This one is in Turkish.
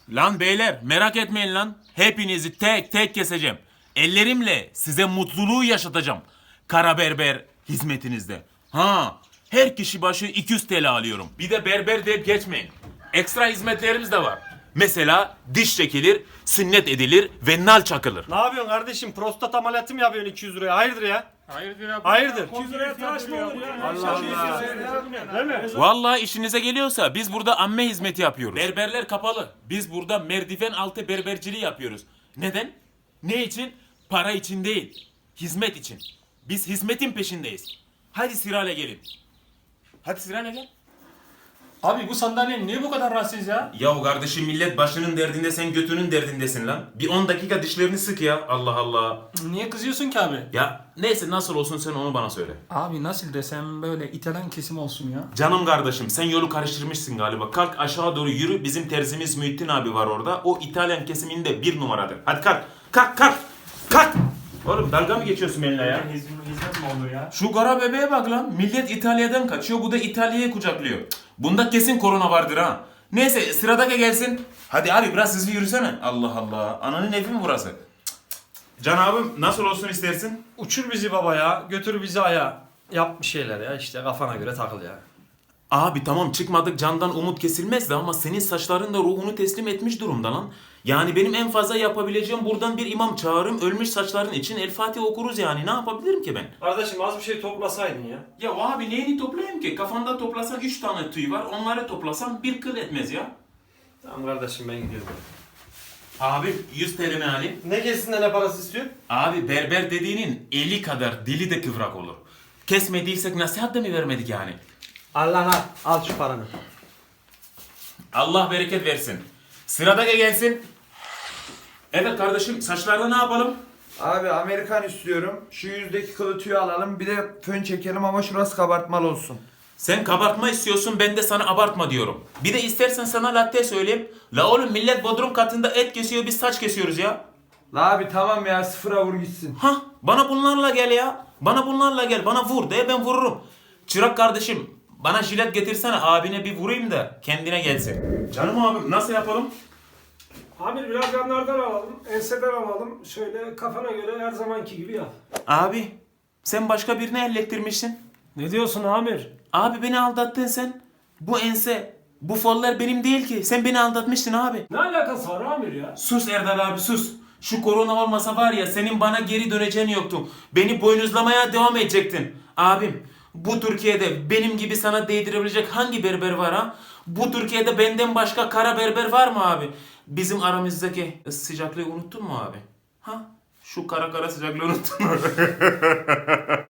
Lan beyler merak etmeyin lan. Hepinizi tek tek keseceğim. Ellerimle size mutluluğu yaşatacağım. Kara berber hizmetinizde. Ha, her kişi başı 200 TL alıyorum. Bir de berber deyip geçmeyin. Ekstra hizmetlerimiz de var. Mesela diş çekilir, sünnet edilir ve nal çakılır. Ne yapıyorsun kardeşim? Prostat ameliyatı mı yapıyorsun 200 liraya? Hayırdır ya? Hayırdır? 200 liraya tıraş mı olur ya? Allah Allah. Değil mi? Vallahi işinize geliyorsa biz burada amme hizmeti yapıyoruz. Berberler kapalı. Biz burada merdiven altı berberciliği yapıyoruz. Neden? Ne için? Para için değil. Hizmet için. Biz hizmetin peşindeyiz. Hadi sırayla gelin. Hadi sırayla gel. Abi bu sandalye niye bu kadar rahatsız ya? Ya kardeşim millet başının derdinde sen götünün derdindesin lan. Bir 10 dakika dişlerini sık ya. Allah Allah. Niye kızıyorsun ki abi? Ya neyse nasıl olsun sen onu bana söyle. Abi nasıl desem böyle İtalyan kesim olsun ya. Canım kardeşim sen yolu karıştırmışsın galiba. Kalk aşağı doğru yürü. Bizim terzimiz Muhittin abi var orada. O İtalyan kesiminde 1 numaradır. Hadi kalk. Kalk kalk. Kalk. Oğlum dalga mı geçiyorsun benimle ya? Hizmet mi olur ya? Şu kara bebeğe bak lan. Millet İtalya'dan kaçıyor. Bu da İtalya'yı kucaklıyor. Cık, bunda kesin korona vardır ha. Neyse sıradaki gelsin. Hadi abi biraz hızlı yürüsene. Allah Allah. Ananın evi mi burası? Cık, cık. Can abim nasıl olsun istersin? Uçur bizi baba ya. Götür bizi aya. Yap bir şeyler ya işte kafana göre takıl ya. Abi tamam çıkmadık candan umut kesilmezdi ama senin saçların da ruhunu teslim etmiş durumda lan. Yani benim en fazla yapabileceğim buradan bir imam çağırırım ölmüş saçların için El Fatiha okuruz yani ne yapabilirim ki ben? Kardeşim az bir şey toplasaydın ya. Ya abi neyini toplayayım ki? Kafanda toplasan 3 tane tüy var onları toplasan bir kıl etmez ya. Tamam kardeşim ben gidiyorum. Abi 100 TL mi alayım? Ne kesin ne parası istiyor? Abi berber dediğinin eli kadar dili de kıvrak olur. Kesmediysek nasihat da mı vermedik yani? Allah al şu paranı. Allah bereket versin. Sıradaki gelsin. Evet kardeşim saçlarda ne yapalım? Abi Amerikan istiyorum. Şu yüzdeki kılı tüyü alalım. Bir de fön çekelim ama şurası kabartmalı olsun. Sen kabartma istiyorsun ben de sana abartma diyorum. Bir de istersen sana latte söyleyeyim. La oğlum millet bodrum katında et kesiyor biz saç kesiyoruz ya. La abi tamam ya sıfıra vur gitsin. Hah bana bunlarla gel ya. Bana bunlarla gel bana vur de ben vururum. Çırak kardeşim bana jilet getirsene abine bir vurayım da kendine gelsin. Canım abim nasıl yapalım? Amir biraz yanlardan alalım, enseden alalım. Şöyle kafana göre her zamanki gibi yap. Abi sen başka birini ellettirmişsin. Ne diyorsun Amir? Abi beni aldattın sen. Bu ense, bu follar benim değil ki. Sen beni aldatmıştın abi. Ne alakası var Amir ya? Sus Erdal abi sus. Şu korona olmasa var ya senin bana geri döneceğin yoktu. Beni boynuzlamaya devam edecektin. Abim bu Türkiye'de benim gibi sana değdirebilecek hangi berber var ha? Bu Türkiye'de benden başka kara berber var mı abi? Bizim aramızdaki sıcaklığı unuttun mu abi? Ha? Şu kara kara sıcaklığı unuttun mu?